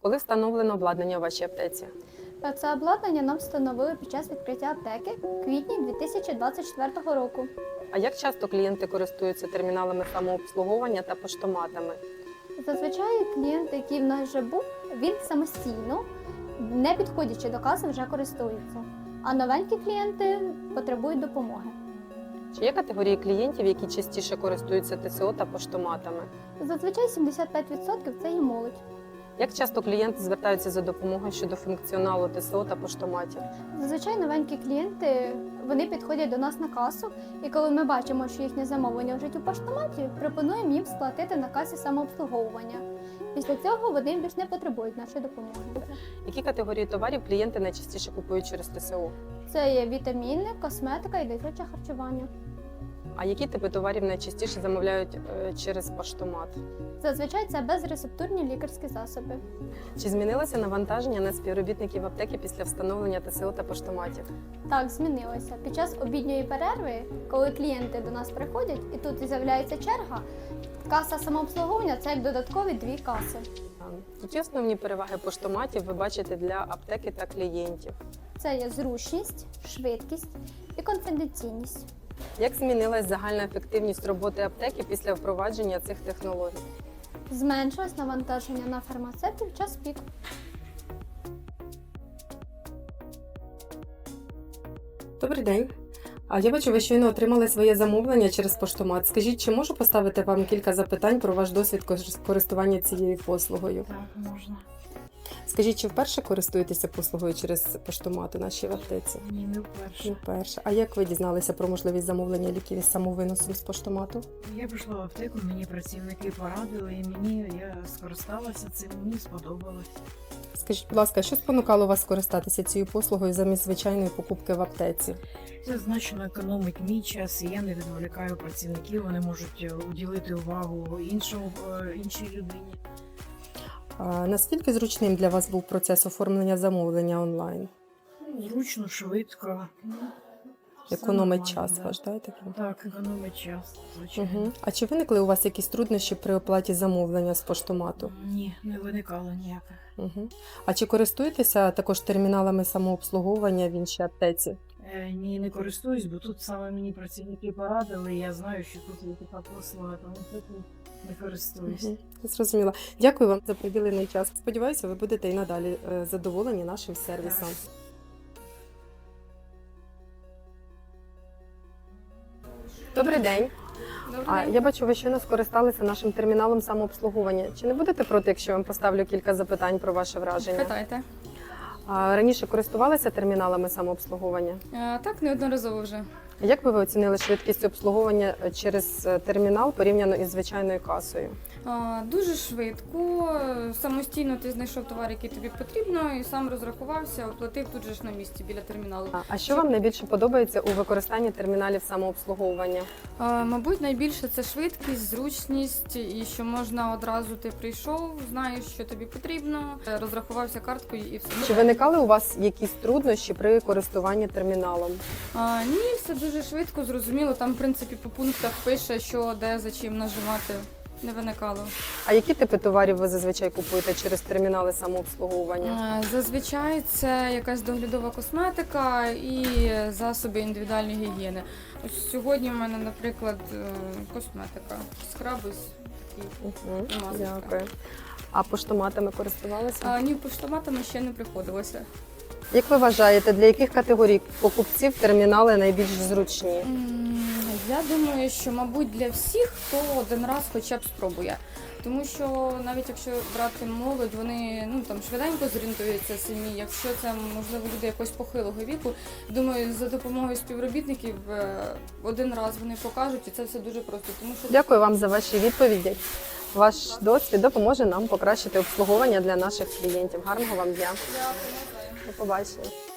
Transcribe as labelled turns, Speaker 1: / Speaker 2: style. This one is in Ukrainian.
Speaker 1: Коли встановлено обладнання у вашій аптеці?
Speaker 2: Це обладнання нам встановили під час відкриття аптеки в квітні 2024 року.
Speaker 1: А як часто клієнти користуються терміналами самообслуговування та поштоматами?
Speaker 2: Зазвичай клієнт, який в нас вже був, він самостійно, не підходячи до каси, вже користується. А новенькі клієнти потребують допомоги.
Speaker 1: Чи є категорії клієнтів, які частіше користуються ТСО та поштоматами?
Speaker 2: Зазвичай 75% це є молодь.
Speaker 1: Як часто клієнти звертаються за допомогою щодо функціоналу ТСО та поштоматів?
Speaker 2: Зазвичай новенькі клієнти, вони підходять до нас на касу, і коли ми бачимо, що їхнє замовлення вже у поштоматі, пропонуємо їм сплатити на касі самообслуговування. Після цього вони більш не потребують нашої допомоги.
Speaker 1: Які категорії товарів клієнти найчастіше купують через ТСО?
Speaker 2: Це є вітаміни, косметика і дитяче харчування.
Speaker 1: А які типи товарів найчастіше замовляють через поштомат?
Speaker 2: Зазвичай це безрецептурні лікарські засоби.
Speaker 1: Чи змінилося навантаження на співробітників аптеки після встановлення ТСО та поштоматів?
Speaker 2: Так, змінилося. Під час обідньої перерви, коли клієнти до нас приходять і тут з'являється черга, каса самообслуговування – це як додаткові 2 каси.
Speaker 1: Які основні переваги поштоматів ви бачите для аптеки та клієнтів?
Speaker 2: Це є зручність, швидкість і конфіденційність.
Speaker 1: Як змінилась загальна ефективність роботи аптеки після впровадження цих технологій?
Speaker 2: Зменшилось навантаження на фармацевтів в час пік.
Speaker 1: Добрий день. Я бачу, ви щойно отримали своє замовлення через поштомат. Скажіть, чи можу поставити вам кілька запитань про ваш досвід користування цією послугою?
Speaker 3: Так, можна.
Speaker 1: Скажіть, чи вперше користуєтеся послугою через поштомат у нашій аптеці?
Speaker 3: Ні, не вперше.
Speaker 1: Не вперше. А як ви дізналися про можливість замовлення ліків із самовиносом з поштомату?
Speaker 3: Я прийшла в аптеку, мені працівники порадили, і я скористалася цим, мені сподобалось.
Speaker 1: Скажіть, будь ласка, що спонукало вас скористатися цією послугою замість звичайної покупки в аптеці?
Speaker 3: Це значно економить мій час, і я не відволікаю працівників, вони можуть уділити увагу іншій людині.
Speaker 1: Наскільки зручним для вас був процес оформлення замовлення онлайн?
Speaker 3: Зручно, швидко. Все
Speaker 1: Економить
Speaker 3: нормально,
Speaker 1: час
Speaker 3: да.
Speaker 1: ваш, так?
Speaker 3: Так, економить час, звичайно.
Speaker 1: Угу. А чи виникли у вас якісь труднощі при оплаті замовлення з поштомату?
Speaker 3: Ні, не виникало ніяких.
Speaker 1: Угу. А чи користуєтеся також терміналами самообслуговування в іншій аптеці?
Speaker 3: Ні, не користуюсь, бо тут саме мені працівники порадили, і я знаю, що тут є така послуга, тому тут не користуюсь.
Speaker 1: Угу. Зрозуміла. Дякую вам за приділений час. Сподіваюся, ви будете і надалі задоволені нашим сервісом. Добрий день. Я бачу, ви щойно скористалися нашим терміналом самообслуговування. Чи не будете проти, якщо я вам поставлю кілька запитань про ваше враження?
Speaker 4: Питайте.
Speaker 1: Раніше користувалися терміналами самообслуговування?
Speaker 4: Так, неодноразово вже.
Speaker 1: Як би ви оцінили швидкість обслуговування через термінал порівняно із звичайною касою?
Speaker 4: Дуже швидко, самостійно ти знайшов товар, який тобі потрібно, і сам розрахувався, оплатив тут же ж на місці біля терміналу.
Speaker 1: А що вам найбільше подобається у використанні терміналів самообслуговування?
Speaker 4: Мабуть, найбільше це швидкість, зручність, і що можна одразу ти прийшов, знаєш, що тобі потрібно, розрахувався карткою і все.
Speaker 1: Чи виникали у вас якісь труднощі при користуванні терміналом?
Speaker 4: Ні, все дуже швидко, зрозуміло. Там, в принципі, по пунктах пише, що де за чим нажимати. Не виникало.
Speaker 1: А які типи товарів ви зазвичай купуєте через термінали самообслуговування?
Speaker 4: Зазвичай це якась доглядова косметика і засоби індивідуальної гігієни. Ось сьогодні в мене, наприклад, косметика, скраби такі.
Speaker 1: Дякую. А поштоматами користувалися?
Speaker 4: Ні, поштоматами ще не приходилося.
Speaker 1: Як ви вважаєте, для яких категорій покупців термінали найбільш зручні?
Speaker 4: Я думаю, що, мабуть, для всіх, хто один раз хоча б спробує. Тому що навіть якщо брати молодь, вони швиденько зорієнтуються самі. Якщо це, можливо, люди якогось похилого віку, думаю, за допомогою співробітників один раз вони покажуть, і це все дуже просто. Тому що...
Speaker 1: Дякую вам за ваші відповіді. Ваш досвід допоможе нам покращити обслуговування для наших клієнтів. Гарного вам дня.
Speaker 4: Дякую.
Speaker 1: До побачення.